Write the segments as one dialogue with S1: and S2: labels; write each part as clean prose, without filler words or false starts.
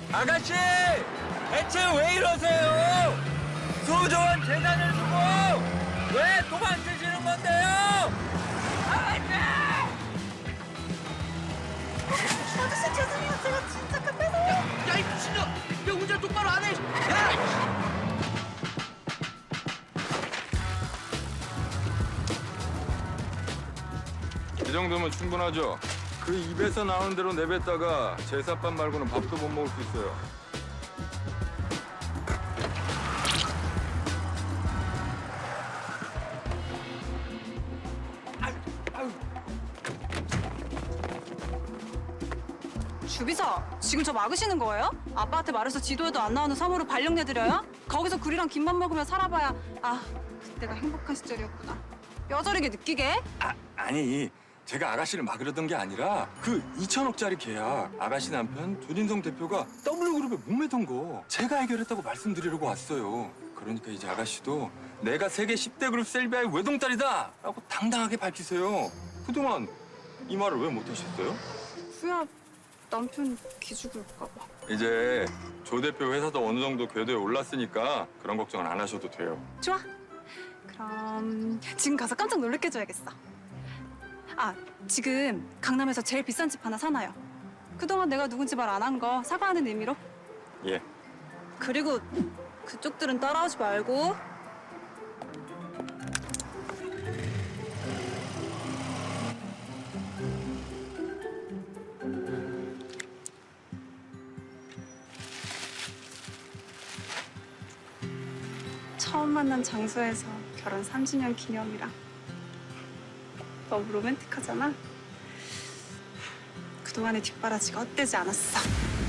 S1: 아가씨! 대체 왜 이러세요? 소중한 재산을 두고 왜 도망치시는 건데요? 아가씨!
S2: 아저씨 죄송해요. 제가 진짜 급해서요.
S1: 야, 이 미친년! 왜 운전 똑바로 안 해? 야!
S3: 이 정도면 충분하죠. 그 입에서 나오는 대로 내뱉다가 제사밥 말고는 밥도 못 먹을 수 있어요.
S2: 주비서, 지금 저 막으시는 거예요? 아빠한테 말해서 지도에도 안 나오는 섬으로 발령 내드려요? 거기서 굴이랑 김밥 먹으며 살아봐야 그때가 행복한 시절이었구나. 뼈저리게 느끼게?
S3: 아니, 제가 아가씨를 막으려던 게 아니라 그 2천억짜리 계약 아가씨 남편 조진성 대표가 W그룹에 목매던 거 제가 해결했다고 말씀드리려고 왔어요. 그러니까 이제 아가씨도 내가 세계 10대 그룹 셀비아의 외동딸이다 라고 당당하게 밝히세요. 그동안 이 말을 왜 못하셨어요?
S2: 후야, 남편 기죽을까 봐.
S3: 이제 조 대표 회사도 어느 정도 궤도에 올랐으니까 그런 걱정은 안 하셔도 돼요.
S2: 좋아. 그럼 지금 가서 깜짝 놀래켜 줘야겠어. 지금 강남에서 제일 비싼 집 하나 사놔요. 그동안 내가 누군지 말 안 한 거 사과하는 의미로.
S3: 예.
S2: 그리고 그쪽들은 따라오지 말고. 처음 만난 장소에서 결혼 30년 기념이라 너무 로맨틱하잖아. 그동안의 뒷바라지가 헛되지 않았어.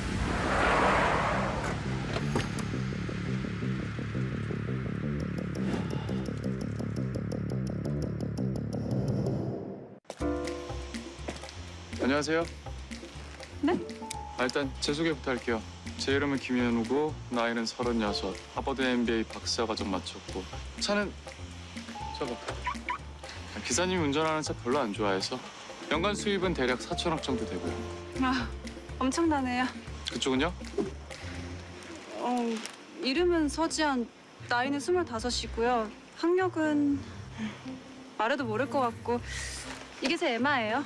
S4: 안녕하세요.
S2: 네?
S4: 일단 제 소개부터 할게요. 제 이름은 김현우고 나이는 36, 하버드 MBA 박사과정 마쳤고 차는 저거 기사님이 운전하는 차 별로 안 좋아해서 연간 수입은 대략 4천억 정도 되고요.
S2: 엄청나네요.
S4: 그쪽은요?
S2: 이름은 서지안, 나이는 25이고요. 학력은 말해도 모를 것 같고 이게 제 에마예요.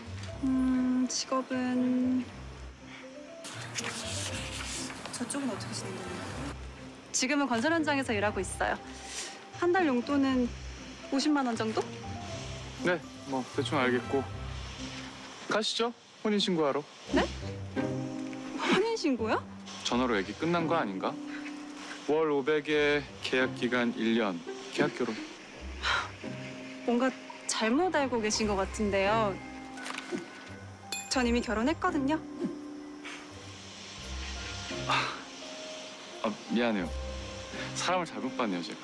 S2: 직업은 저쪽은 어떻게 지내는 거예요? 지금은 건설 현장에서 일하고 있어요. 한 달 용돈은 50만 원 정도?
S4: 네, 뭐 대충 알겠고 가시죠. 혼인신고하러.
S2: 네? 혼인신고요?
S4: 전화로 얘기 끝난 거 아닌가? 월 500에 계약 기간 1년, 계약 결혼.
S2: 뭔가 잘못 알고 계신 것 같은데요. 전 이미 결혼했거든요.
S4: 미안해요. 사람을 잘못 봤네요, 제가.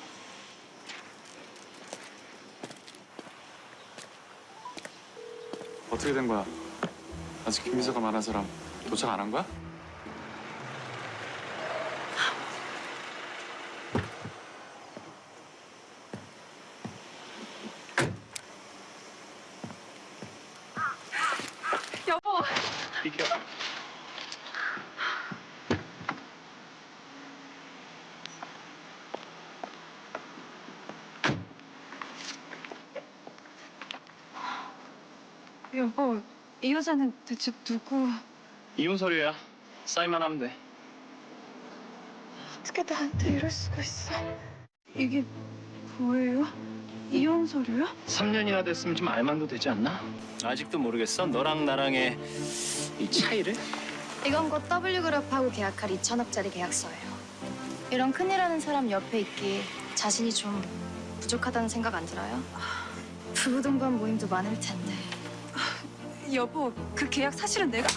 S4: 어떻게 된 거야? 아직 김비서가 말한 사람 도착 안 한 거야?
S2: 여보.
S4: 비켜.
S2: 여보, 이 여자는 대체 누구?
S5: 이혼 서류야. 사인만 하면 돼.
S2: 어떻게 나한테 이럴 수가 있어? 이게 뭐예요? 이혼 서류요?
S5: 3년이나 됐으면 좀 알만도 되지 않나? 아직도 모르겠어? 너랑 나랑의 이 차이를?
S6: 이건 곧 W그룹하고 계약할 2천억짜리 계약서예요. 이런 큰일 하는 사람 옆에 있기 자신이 좀 부족하다는 생각 안 들어요? 부부 동반 모임도 많을 텐데.
S2: 여보, 그 계약 사실은 내가...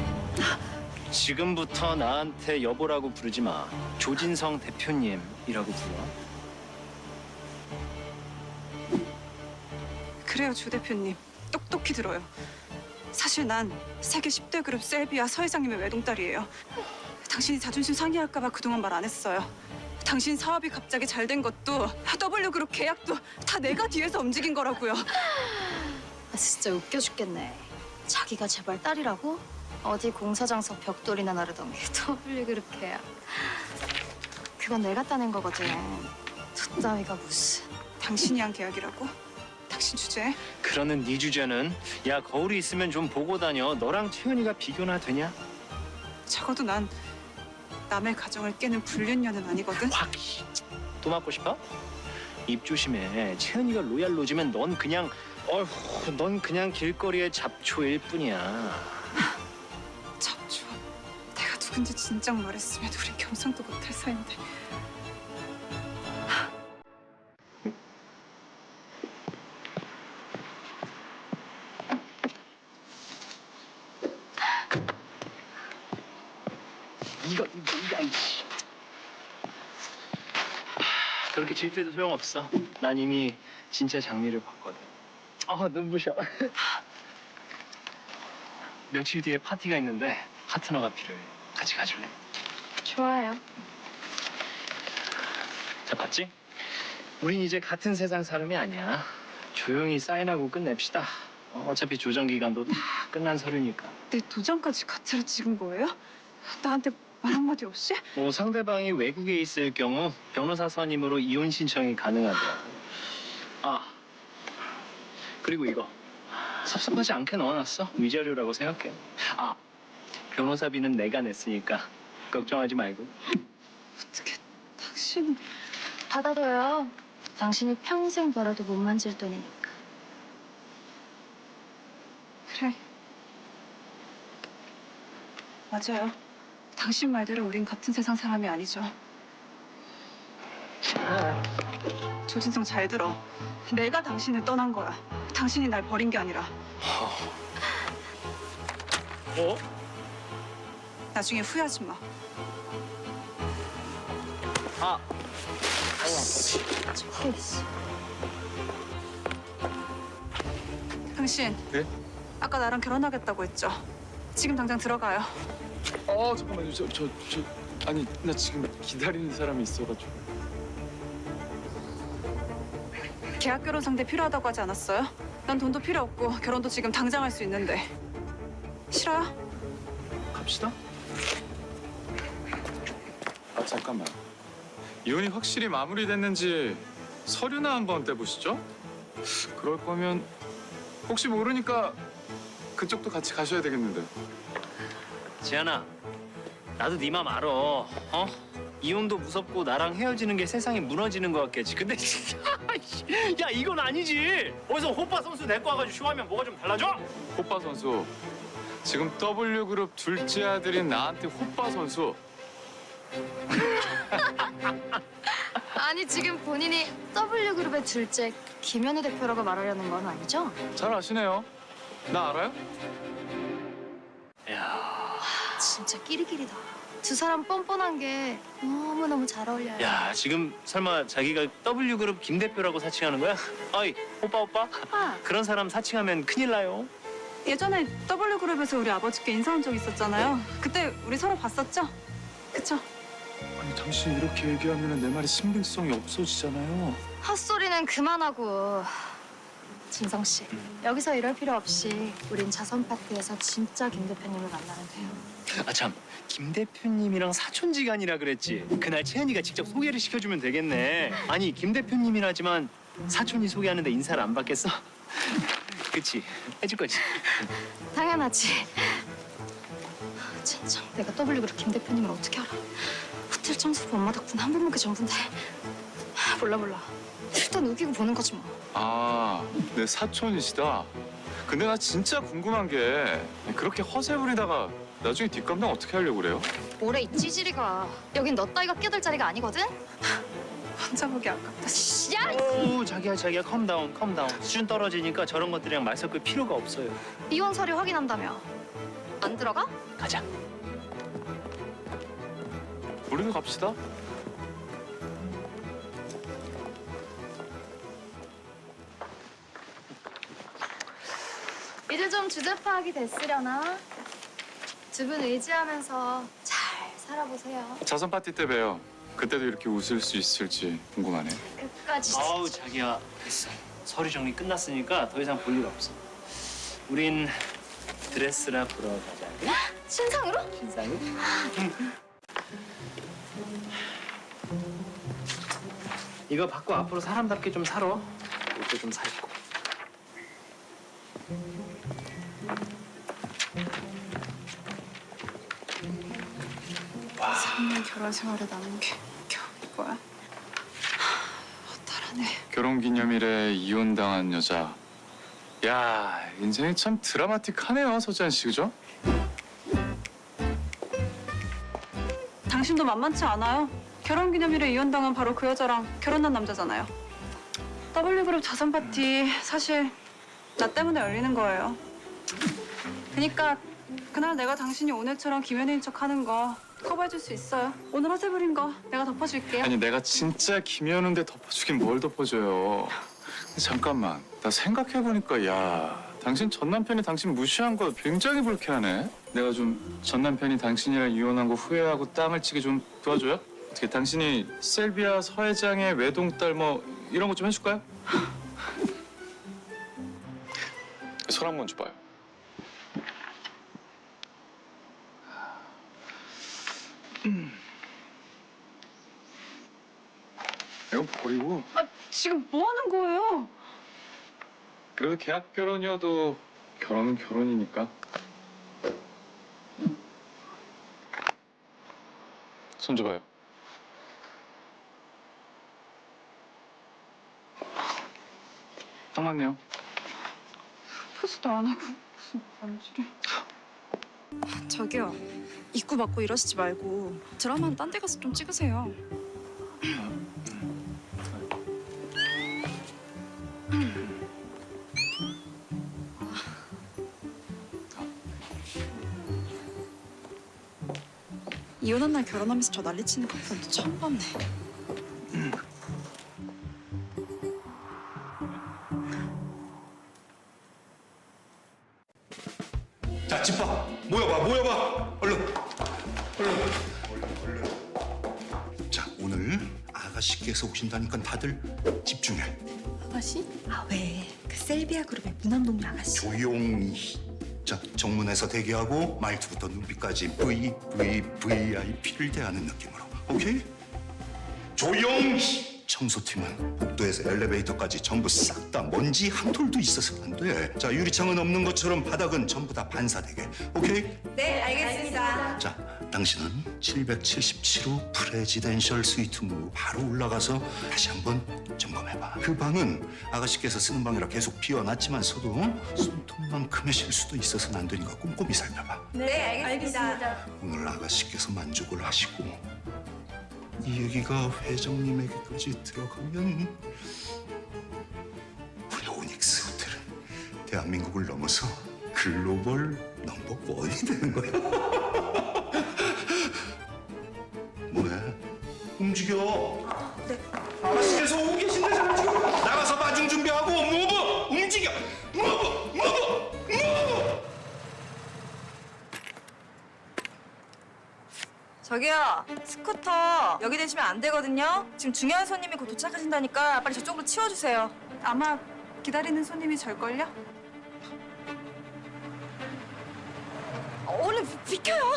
S5: 지금부터 나한테 여보라고 부르지 마. 조진성 대표님이라고 불러.
S2: 그래요, 조 대표님. 똑똑히 들어요. 사실 난 세계 10대 그룹 셀비아 서 회장님의 외동딸이에요. 당신이 자존심 상해할까 봐 그동안 말 안 했어요. 당신 사업이 갑자기 잘 된 것도 W그룹 계약도 다 내가 뒤에서 움직인 거라고요.
S6: 진짜 웃겨 죽겠네. 자기가 제발 딸이라고? 어디 공사장서 벽돌이나 나르던 게 W그룹 계약. 그건 내가 따낸 거거든. 저 따위가 무슨.
S2: 당신이 한 계약이라고? 당신 주제에?
S5: 그러는 네 주제는 야 거울이 있으면 좀 보고 다녀. 너랑 채은이가 비교나 되냐?
S2: 적어도 난 남의 가정을 깨는 불륜녀는 아니거든.
S5: 확. 또 맞고 싶어? 입 조심해. 채은이가 로얄 로즈면 넌 그냥 넌 그냥 길거리의 잡초일 뿐이야.
S2: 잡초. 내가 누군지 진작 말했으면 우린 경상도 못할 사이인데.
S5: 이거 이씨. 그렇게 질투해도 소용없어. 난 이미 진짜 장미를 봤거든. 눈부셔. 며칠 뒤에 파티가 있는데 파트너가 필요해. 같이 가줄래?
S6: 좋아요.
S5: 자, 봤지? 우린 이제 같은 세상 사람이 아니야. 조용히 사인하고 끝냅시다. 어차피 조정 기간도 다 끝난 서류니까.
S2: 내 도장까지 가짜로 찍은 거예요? 나한테 말 한마디 없이?
S5: 뭐 상대방이 외국에 있을 경우 변호사 선임으로 이혼 신청이 가능하더라고. 그리고 이거 섭섭하지 않게 넣어놨어. 위자료라고 생각해. 변호사비는 내가 냈으니까 걱정하지 말고.
S2: 어떻게 당신은...
S6: 받아둬요. 당신이 평생 벌어도 못 만질 돈이니까.
S2: 그래. 맞아요. 당신 말대로 우린 같은 세상 사람이 아니죠. 조진성 잘 들어. 내가 당신을 떠난 거야. 당신이 날 버린 게 아니라. 나중에 후회하지 마.
S6: 저기 있어.
S2: 당신.
S3: 네?
S2: 아까 나랑 결혼하겠다고 했죠? 지금 당장 들어가요.
S4: 잠깐만요. 아니 나 지금 기다리는 사람이 있어가지고.
S2: 계약 결혼 상대 필요하다고 하지 않았어요? 난 돈도 필요 없고 결혼도 지금 당장 할 수 있는데. 싫어요?
S4: 갑시다. 잠깐만. 이혼이 확실히 마무리됐는지 서류나 한번 떼보시죠. 그럴 거면 혹시 모르니까 그쪽도 같이 가셔야 되겠는데.
S5: 지안아, 나도 네 맘 알아. 이혼도 무섭고 나랑 헤어지는 게 세상이 무너지는 것 같겠지. 근데 진짜 야 이건 아니지. 어디서 호빠 선수 데리고 와가지고 쇼하면 뭐가 좀 달라져?
S4: 호빠 선수. 지금 W그룹 둘째 아들인 나한테 호빠 선수.
S6: 아니 지금 본인이 W그룹의 둘째 김현우 대표라고 말하려는 건 아니죠?
S4: 잘 아시네요. 나 알아요?
S5: 야,
S6: 진짜 끼리끼리다. 두 사람 뻔뻔한 게 너무너무 잘 어울려요.
S5: 야 지금 설마 자기가 W그룹 김 대표라고 사칭하는 거야? 어이 오빠.
S6: 오빠.
S5: 그런 사람 사칭하면 큰일 나요.
S2: 예전에 W그룹에서 우리 아버지께 인사 온 적 있었잖아요. 그때 우리 서로 봤었죠? 그쵸?
S4: 아니 당신이 이렇게 얘기하면 내 말이 신빙성이 없어지잖아요.
S6: 헛소리는 그만하고. 진성 씨, 여기서 이럴 필요 없이 우린 자선 파티에서 진짜 김 대표님을 만나면 돼요.
S5: 참, 김 대표님이랑 사촌지간이라 그랬지. 그날 채은이가 직접 소개를 시켜주면 되겠네. 아니 김 대표님이라지만 사촌이 소개하는데 인사를 안 받겠어? 그치? 해줄 거지?
S6: 당연하지. 진짜 내가 W그룹 김 대표님을 어떻게 알아? 호텔 청소부 엄마 덕분에 한 번 먹기 전부인데. 몰라. 일단 우기고 보는 거지 뭐.
S4: 내 사촌이시다. 근데 나 진짜 궁금한 게 그렇게 허세 부리다가 나중에 뒷감당 어떻게 하려고 그래요?
S6: 뭐래 이 찌질이가. 여긴 너 따위가 끼어들 자리가 아니거든?
S2: 혼자 보기 아깝다.
S6: 야!
S5: 오, 자기야, 컴다운. 수준 떨어지니까 저런 것들이랑 말 섞을 필요가 없어요.
S6: 이혼 서류 확인한다며. 안 들어가?
S5: 가자.
S4: 우리도 갑시다.
S6: 이제 좀 주제 파악이 됐으려나? 두 분 의지하면서 잘 살아보세요.
S4: 자선 파티 때 봬요. 그때도 이렇게 웃을 수 있을지 궁금하네.
S6: 끝까지.
S5: 아우, 자기야. 됐어. 서류 정리 끝났으니까 더 이상 볼 일 없어. 우린 드레스라 보러 가자.
S6: 신상으로?
S5: 이거 받고 앞으로 사람답게 좀 살아. 옷도 좀 사 입고.
S2: 삼년 결혼 생활에 남은 게 겨우 이거야. 허탈하네.
S4: 결혼기념일에 이혼당한 여자. 야, 인생이 참 드라마틱하네요, 서지한 씨, 그죠?
S2: 당신도 만만치 않아요. 결혼기념일에 이혼당한 바로 그 여자랑 결혼한 남자잖아요. W그룹 자선 파티 사실 나 때문에 열리는 거예요. 그러니까 그날 내가 당신이 오늘처럼 김연예인 척하는 거 커버해줄 수 있어요. 오늘 허세 부린 거 내가 덮어줄게요.
S4: 아니, 내가 진짜 김연우인데 덮어주긴 뭘 덮어줘요. 근데 잠깐만, 나 생각해보니까 야, 당신 전 남편이 당신 무시한 거 굉장히 불쾌하네. 내가 좀 전 남편이 당신이랑 이혼한 거 후회하고 땅을 치게 좀 도와줘요? 어떻게 당신이 셀비아 서 회장의 외동딸 뭐 이런 거 좀 해줄까요? 손 한번 줘봐요. 이건 버리고.
S2: 아, 지금 뭐 하는 거예요?
S4: 그래도 계약 결혼이어도 결혼은 결혼이니까. 손 줘봐요. 딱 맞네요.
S2: 포스도 안 하고 무슨 반지를. 저기요. 입구 막고 이러시지 말고 드라마는 딴 데 가서 좀 찍으세요. 이혼한 날 결혼하면서 저 난리치는 커플도 처음 봤네.
S7: 자, 집 봐. 모여봐. 얼른. 자, 오늘 아가씨께서 오신다니까 다들 집중해.
S8: 아가씨? 아 왜? 그 셀비아 그룹의 무남동료 아가씨.
S7: 조용히. 자, 정문에서 대기하고 말투부터 눈빛까지 VVVIP를 대하는 느낌으로. 오케이? 조용히. 청소팀은 복도에서 엘리베이터까지 전부 싹 다 먼지 한 톨도 있어서는 안 돼. 자, 유리창은 없는 것처럼 바닥은 전부 다 반사되게. 오케이?
S8: 네, 알겠습니다.
S7: 자, 당신은 777호 프레지덴셜 스위트로 바로 올라가서 다시 한번 점검해봐. 그 방은 아가씨께서 쓰는 방이라 계속 비워놨지만서도 손톱만큼의 실수도 있어서는 안 되니까 꼼꼼히 살펴봐.
S8: 네, 알겠습니다.
S7: 오늘 아가씨께서 만족을 하시고 이 얘기가 회장님에게까지 들어가면 우리 오닉스 호텔은 대한민국을 넘어서 글로벌 넘버 원이 되는 거야. 뭐해? 움직여. 네. 아가씨께서 오고 계신데 잘 지금 나가서 마중 준비하고 무브 움직여. 무브.
S8: 저기요, 스쿠터 여기 대시면 안 되거든요. 지금 중요한 손님이 곧 도착하신다니까 빨리 저쪽으로 치워주세요.
S2: 아마 기다리는 손님이 절걸요?
S8: 얼른 비켜요.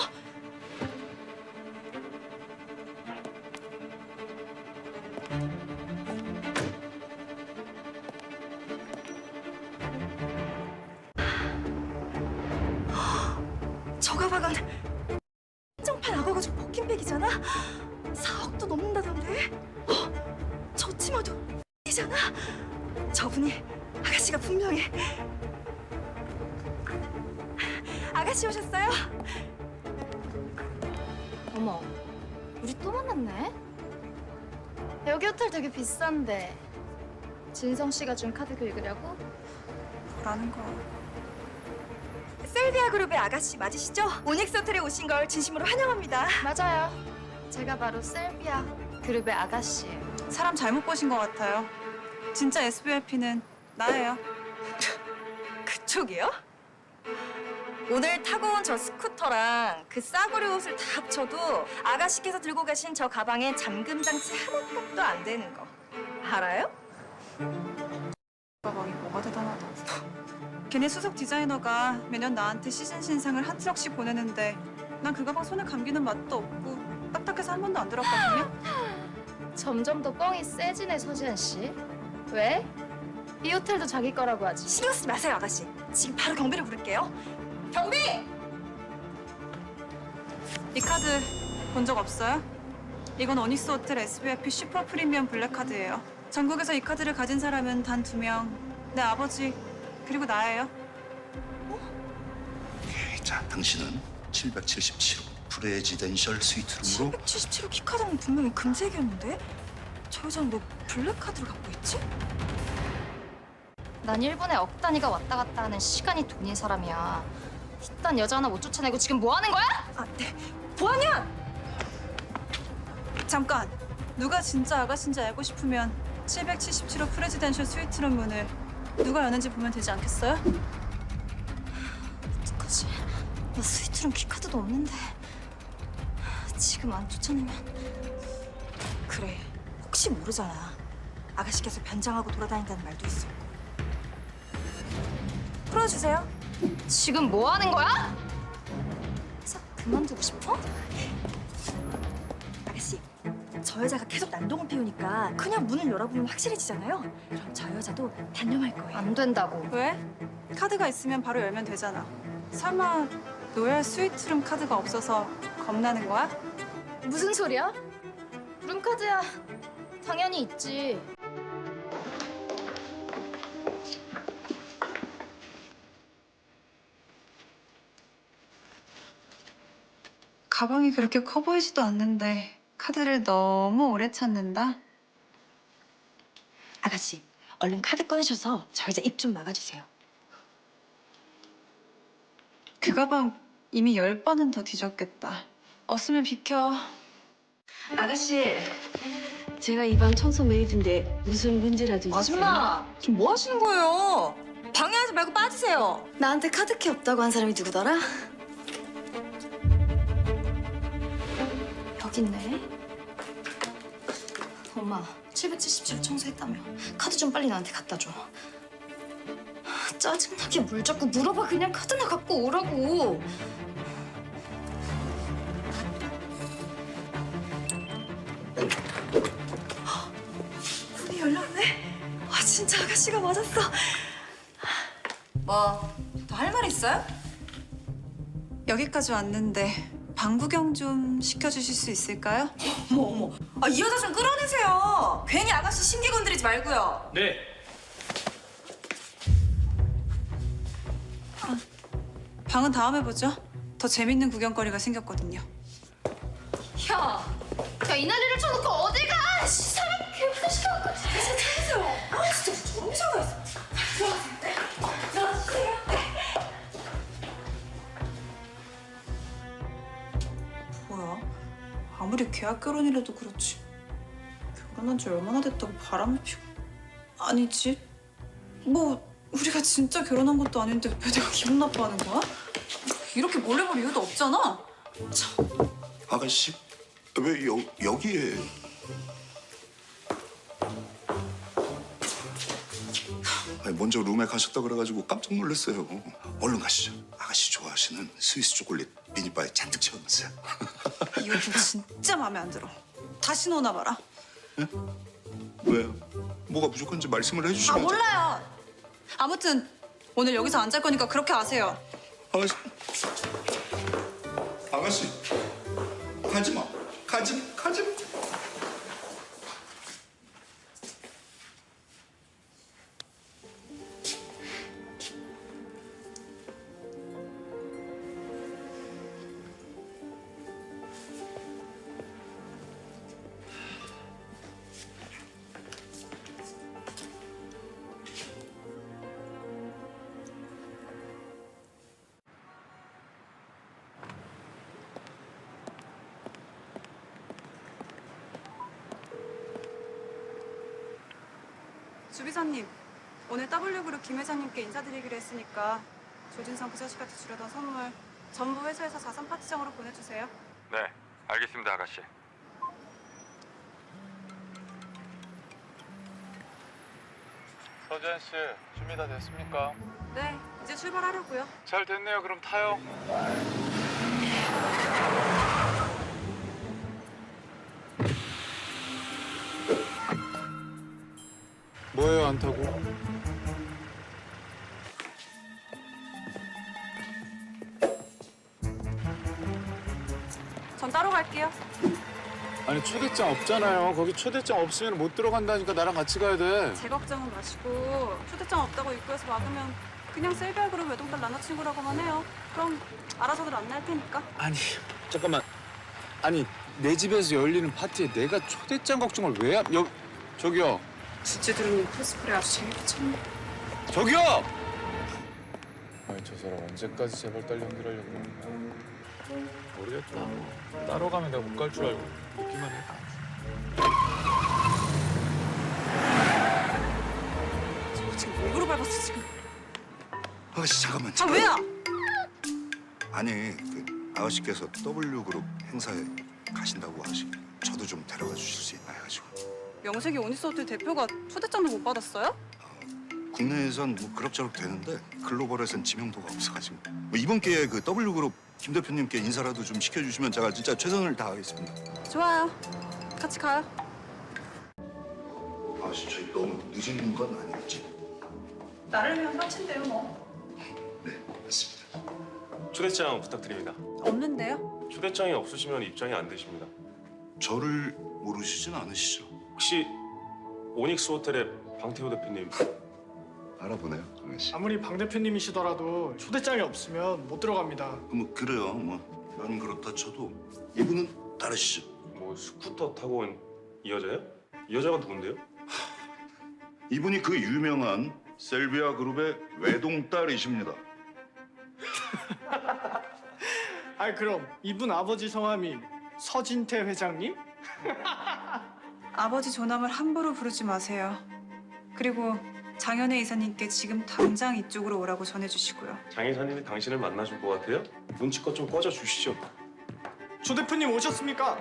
S8: 저 가방은 한정판 악어 가죽 버킨백이잖아. 4억도 넘는다던데. 저 치마도 이잖아. 저분이 아가씨가 분명히. 아가씨 오셨어요?
S6: 어머, 우리 또 만났네? 여기 호텔 되게 비싼데 진성 씨가 준 카드 긁으려고?
S2: 뭐라는 거야?
S8: 셀비아 그룹의 아가씨 맞으시죠? 오닉스 호텔에 오신 걸 진심으로 환영합니다.
S6: 맞아요. 제가 바로 셀비아 그룹의 아가씨예요.
S2: 사람 잘못 보신 것 같아요. 진짜 SVIP는 나예요.
S8: 그쪽이요? 오늘 타고 온 저 스쿠터랑 그 싸구려 옷을 다 합쳐도 아가씨께서 들고 가신 저 가방에 잠금 장치 하나값도 안 되는 거 알아요?
S2: 가방이 뭐가 대단하다. 걔네 수석 디자이너가 매년 나한테 시즌 신상을 한 트럭씩 보내는데 난 그 가방 손에 감기는 맛도 없고 딱딱해서 한 번도 안 들었거든요.
S6: 점점 더 뻥이 세지네, 서지현 씨. 왜? 이 호텔도 자기 거라고 하지.
S8: 신경 쓰지 마세요, 아가씨. 지금 바로 경비를 부를게요. 경비!
S2: 이 카드 본 적 없어요? 이건 어닉스 호텔 SVIP 슈퍼 프리미엄 블랙 카드예요. 전국에서 이 카드를 가진 사람은 단 2명. 내 아버지 그리고 나예요.
S7: 자, 당신은 777호 프레지덴셜 스위트룸으로
S8: 777호 키카드는 분명히 금색이었는데 저 여자는 왜 블랙카드를 갖고 있지?
S6: 난 일본에 억 단위가 왔다 갔다 하는 시간이 돈인 사람이야. 이딴 여자 하나 못 쫓아내고 지금 뭐 하는 거야?
S8: 아, 네. 보안이야!
S2: 잠깐! 누가 진짜 아가씨인지 알고 싶으면 777호 프레지덴셜 스위트룸 문을 누가 여는지 보면 되지 않겠어요?
S6: 어떡하지? 나 스위트룸 키카드도 없는데. 지금 안 쫓아내면.
S8: 그래, 혹시 모르잖아. 아가씨께서 변장하고 돌아다닌다는 말도 있었고. 풀어주세요.
S6: 지금 뭐 하는 거야? 회사 그만두고 싶어?
S8: 아가씨, 저 여자가 계속 난동을 피우니까 그냥 문을 열어보면 확실해지잖아요. 그럼 저 여자도 단념할 거예요.
S6: 안 된다고.
S2: 왜? 카드가 있으면 바로 열면 되잖아. 설마 로얄 스위트룸 카드가 없어서 겁나는 거야?
S6: 무슨 소리야? 룸카드야. 당연히 있지.
S2: 가방이 그렇게 커 보이지도 않는데 카드를 너무 오래 찾는다?
S8: 아가씨, 얼른 카드 꺼내셔서 저 여자 입 좀 막아주세요.
S2: 그 가방 이미 10번은 더 뒤졌겠다. 없으면 비켜.
S9: 아가씨, 제가 이 방 청소 메이드인데 무슨 문제라도 있으세요?
S8: 아줌마, 지금 뭐 하시는 거예요? 방해하지 말고 빠지세요.
S9: 나한테 카드키 없다고 한 사람이 누구더라?
S6: 여기 있네. 엄마, 777 청소했다며. 카드 좀 빨리 나한테 갖다 줘. 짜증나게 뭘 자꾸 물어봐. 그냥 카드나 갖고 오라고.
S8: 문이 열렸네. 아, 진짜 아가씨가 맞았어. 뭐, 더 할 말 있어요?
S2: 여기까지 왔는데 방 구경 좀 시켜주실 수 있을까요?
S8: 어머. 아, 이 여자 좀 끌어내세요. 괜히 아가씨 신기 건드리지 말고요.
S5: 네.
S2: 방은 다음에 보죠. 더 재밌는 구경거리가 생겼거든요.
S6: 야, 이 난리를 쳐놓고 어딜 가? 사람 개무시켜갖고.
S8: 아, 진짜 정신가 있어. 들어가세요.
S2: 뭐야? 아무리 계약 결혼이라도 그렇지. 결혼한 지 얼마나 됐다고 바람을 피고. 아니지. 뭐 우리가 진짜 결혼한 것도 아닌데 왜 내가 기분 나빠하는 거야? 이렇게 몰래 볼 이유도 없잖아.
S7: 아가씨 왜 여기에 아니, 먼저 룸에 가셨다 그래가지고 깜짝 놀랐어요. 얼른 가시죠. 아가씨 좋아하시는 스위스 초콜릿 미니바에 잔뜩 채워놨어요.
S2: 이 옷 진짜 마음에 안 들어. 다시 넣어놔 봐라.
S7: 왜요? 뭐가 부족한지 말씀을 해주시면.
S2: 아 몰라요. 아무튼 오늘 여기서 안 잘 거니까 그렇게 아세요.
S7: 아가씨, 아가씨, 가지 마, 가지 마.
S2: 주비서님, 오늘 W그룹 김 회장님께 인사드리기로 했으니까 조진성 부자식한테 주려던 선물 전부 회사에서 자산 파티장으로 보내주세요.
S3: 네, 알겠습니다, 아가씨.
S4: 서지현 씨, 준비 다 됐습니까?
S2: 네, 이제 출발하려고요.
S4: 잘 됐네요. 그럼 타요. 뭐예요, 안 타고?
S2: 전 따로 갈게요.
S4: 아니 초대장 없잖아요. 거기 초대장 없으면 못 들어간다니까. 나랑 같이 가야 돼.
S2: 제 걱정은 마시고 초대장 없다고 입구에서 막으면 그냥 셀비아 그룹 외동딸 남자친구라고만 해요. 그럼 알아서들 안내할 테니까.
S4: 아니 잠깐만. 아니 내 집에서 열리는 파티에 내가 초대장 걱정을 왜 저기요.
S2: 진짜 들으니 코스프레 아주 재밌게 쳤네.
S4: 저기요. 아니 저 사람 언제까지 제발 딸 연기하려고 그러는 거야. 모르겠다. 따로 가면 내가 못 갈 줄 알고 있기만 해.
S2: 저 지금 목으로 밟았어 지금.
S7: 아가씨 잠깐만.
S2: 아 왜요?
S7: 아니 그 아가씨께서 W그룹 행사에 가신다고 하시. 저도 좀 데려가 주실 수 있나 해가지고.
S2: 명색이 오니소호텔 대표가 초대장도 못 받았어요?
S7: 국내에선 뭐 그럭저럭 되는데 글로벌에선 지명도가 없어가지고 뭐 이번 기회에 그 W그룹 김 대표님께 인사라도 좀 시켜주시면 제가 진짜 최선을 다하겠습니다.
S2: 좋아요. 같이 가요.
S7: 아가씨 저희 너무 늦은 건 아니겠지?
S2: 나를 위한 파티인데요 뭐.
S7: 네 맞습니다.
S10: 초대장 부탁드립니다.
S2: 없는데요?
S10: 초대장이 없으시면 입장이 안 되십니다.
S7: 저를 모르시진 않으시죠?
S10: 혹시 오닉스 호텔의 방태호 대표님
S7: 알아보네요, 아가씨.
S1: 아무리 방 대표님이시더라도 초대장이 없으면 못 들어갑니다.
S7: 뭐 그래요. 뭐 난 그렇다 쳐도 이분은 다르시죠?
S10: 뭐 스쿠터 타고 온 이 여자요? 이 여자가 누군데요?
S7: 이분이 그 유명한 셀비아 그룹의 외동딸이십니다.
S1: 아이 그럼 이분 아버지 성함이 서진태 회장님?
S2: 아버지 존함을 함부로 부르지 마세요. 그리고 장현애 이사님께 지금 당장 이쪽으로 오라고 전해주시고요.
S10: 장 이사님이 당신을 만나줄 것 같아요? 눈치껏 좀 꺼져 주시죠.
S1: 조 대표님 오셨습니까?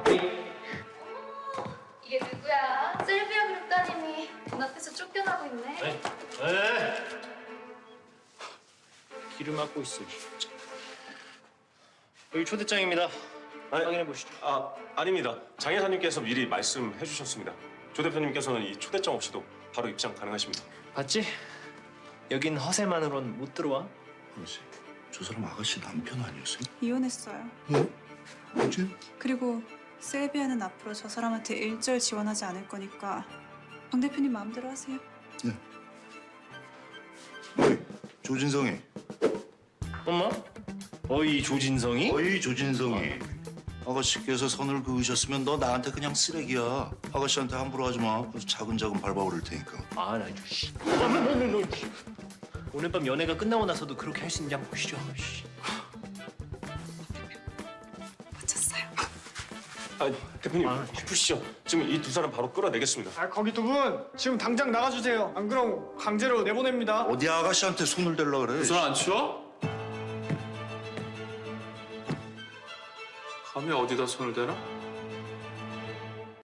S6: 이게 누구야? 셀비아 그룹 따님이 눈앞에서 쫓겨나고 있네.
S5: 기름 막고 있어. 여기 초대장입니다.
S10: 아니,
S5: 확인해 보시죠.
S10: 아닙니다. 장 이사님께서 미리 말씀해 주셨습니다. 조 대표님께서는 이 초대장 없이도 바로 입장 가능하십니다.
S5: 봤지? 여긴 허세만으론 못 들어와.
S7: 아가씨, 저 사람 아가씨 남편 아니었어요?
S2: 이혼했어요.
S7: 언제?
S2: 그리고 셀비아는 앞으로 저 사람한테 일절 지원하지 않을 거니까 방 대표님 마음대로 하세요.
S7: 어이, 조진성이.
S5: 엄마? 어이 조진성이?
S7: 어이, 조진성이. 아가씨께서 선을 그으셨으면 너 나한테 그냥 쓰레기야. 아가씨한테 함부로 하지 마. 그래서 차근차근 밟아오를 테니까.
S5: 아, 나 씨. 오늘 밤 연애가 끝나고 나서도 그렇게 할 수 있는지 한번 보시죠. 씨.
S2: 마쳤어요.
S10: 대표님 푸시죠. 지금 이 두 사람 바로 끌어내겠습니다.
S1: 아 거기 두 분 지금 당장 나가주세요. 안 그럼 강제로 내보냅니다.
S7: 어디 아가씨한테 손을 댈라 그래?
S4: 손 안 치워? 감히 어디다 손을 대나?